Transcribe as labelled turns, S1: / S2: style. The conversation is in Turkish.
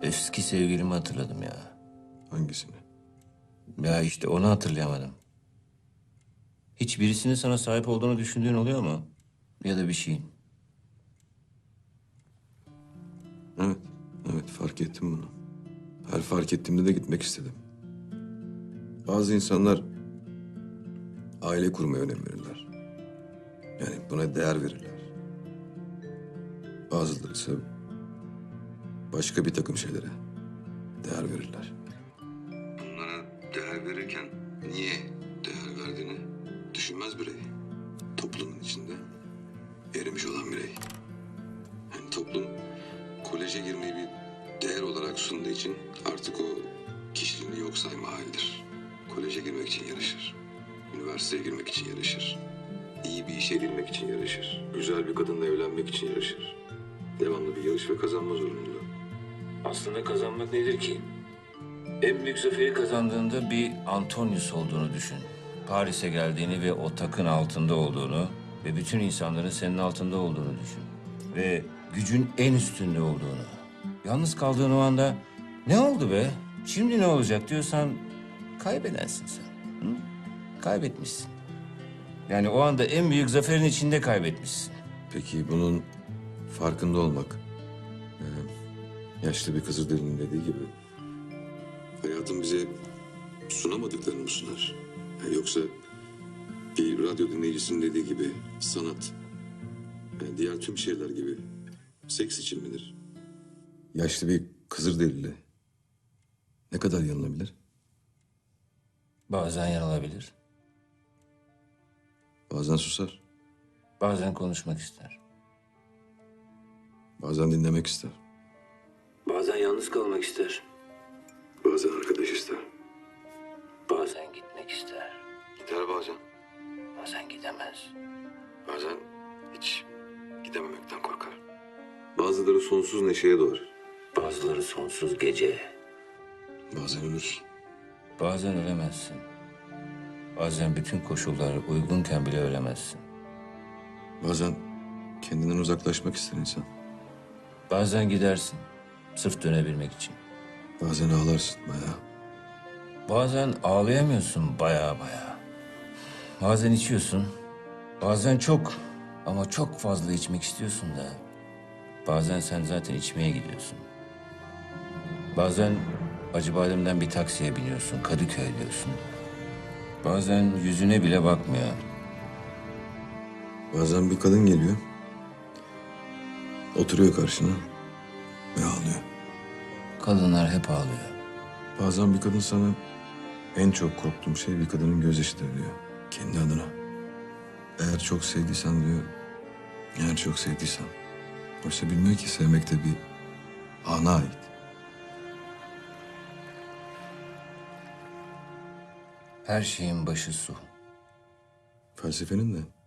S1: Eski sevgilimi hatırladım ya.
S2: Hangisini?
S1: Ya işte onu hatırlayamadım. Hiç birisinin sana sahip olduğunu düşündüğün oluyor mu? Ya da bir şeyin.
S2: Evet, evet fark ettim bunu. Her fark ettiğimde de gitmek istedim. Bazı insanlar aile kurmaya önem verirler. Yani buna değer verirler. Bazıları ise başka bir takım şeylere değer verirler. Bunlara değer verirken niye değer verdiğini düşünmez birey. Toplumun içinde erimiş olan birey. Yani toplum koleje girmeyi bir değer olarak sunduğu için artık o kişiliğini yok sayma halidir. Koleje girmek için yarışır. Üniversiteye girmek için yarışır. İyi bir işe girmek için yarışır. Güzel bir kadınla evlenmek için yarışır. Devamlı bir yarış ve kazanma zorunluluğu.
S1: Aslında kazanmak nedir ki? En büyük zaferi kazandığında bir Antonius olduğunu düşün. Paris'e geldiğini ve o takın altında olduğunu ve bütün insanların senin altında olduğunu düşün. Ve gücün en üstünde olduğunu. Yalnız kaldığın o anda ne oldu be? Şimdi ne olacak diyorsan kaybedensin sen. Hı? Kaybetmişsin. Yani o anda en büyük zaferin içinde kaybetmişsin.
S2: Peki bunun farkında olmak, yaşlı bir Kızılderili'nin dediği gibi hayatın bize sunamadıklarını mı sunar? Yoksa bir radyo dinleyicisinin dediği gibi sanat, yani diğer tüm şeyler gibi seks için midir? Yaşlı bir Kızılderili ne kadar yanılabilir?
S1: Bazen yanılabilir,
S2: Bazen susar,
S1: bazen konuşmak ister.
S2: bazen dinlemek ister,
S1: Bazen yalnız kalmak ister,
S2: bazen arkadaş ister.
S1: bazen gitmek ister,
S2: Gider bazen,
S1: bazen gidemez.
S2: bazen hiç gidememekten korkar. Bazıları sonsuz neşeye doğar,
S1: Bazıları sonsuz gece.
S2: bazen ölür.
S1: Bazen ölemezsin. Bazen bütün koşullar uygunken bile ölemezsin.
S2: Bazen kendinden uzaklaşmak ister insan.
S1: Bazen gidersin, sırf dönebilmek için.
S2: Bazen ağlarsın bayağı.
S1: Bazen ağlayamıyorsun baya baya. Bazen içiyorsun, bazen çok ama çok fazla içmek istiyorsun da. Bazen sen zaten içmeye gidiyorsun. Bazen Acıbadem'den bir taksiye biniyorsun, Kadıköy diyorsun. Bazen yüzüne bile bakmıyor.
S2: Bazen bir kadın geliyor. Oturuyor karşına ve ağlıyor.
S1: Kadınlar hep ağlıyor.
S2: Bazen bir kadın sana en çok korktuğum şey bir kadının gözyaşıdır diyor. Kendi adına. Eğer çok sevdiysen diyor. Eğer çok sevdiysen. Oysa bilmiyor ki sevmek de bir ana ait.
S1: Her şeyin başı su.
S2: Felsefenin de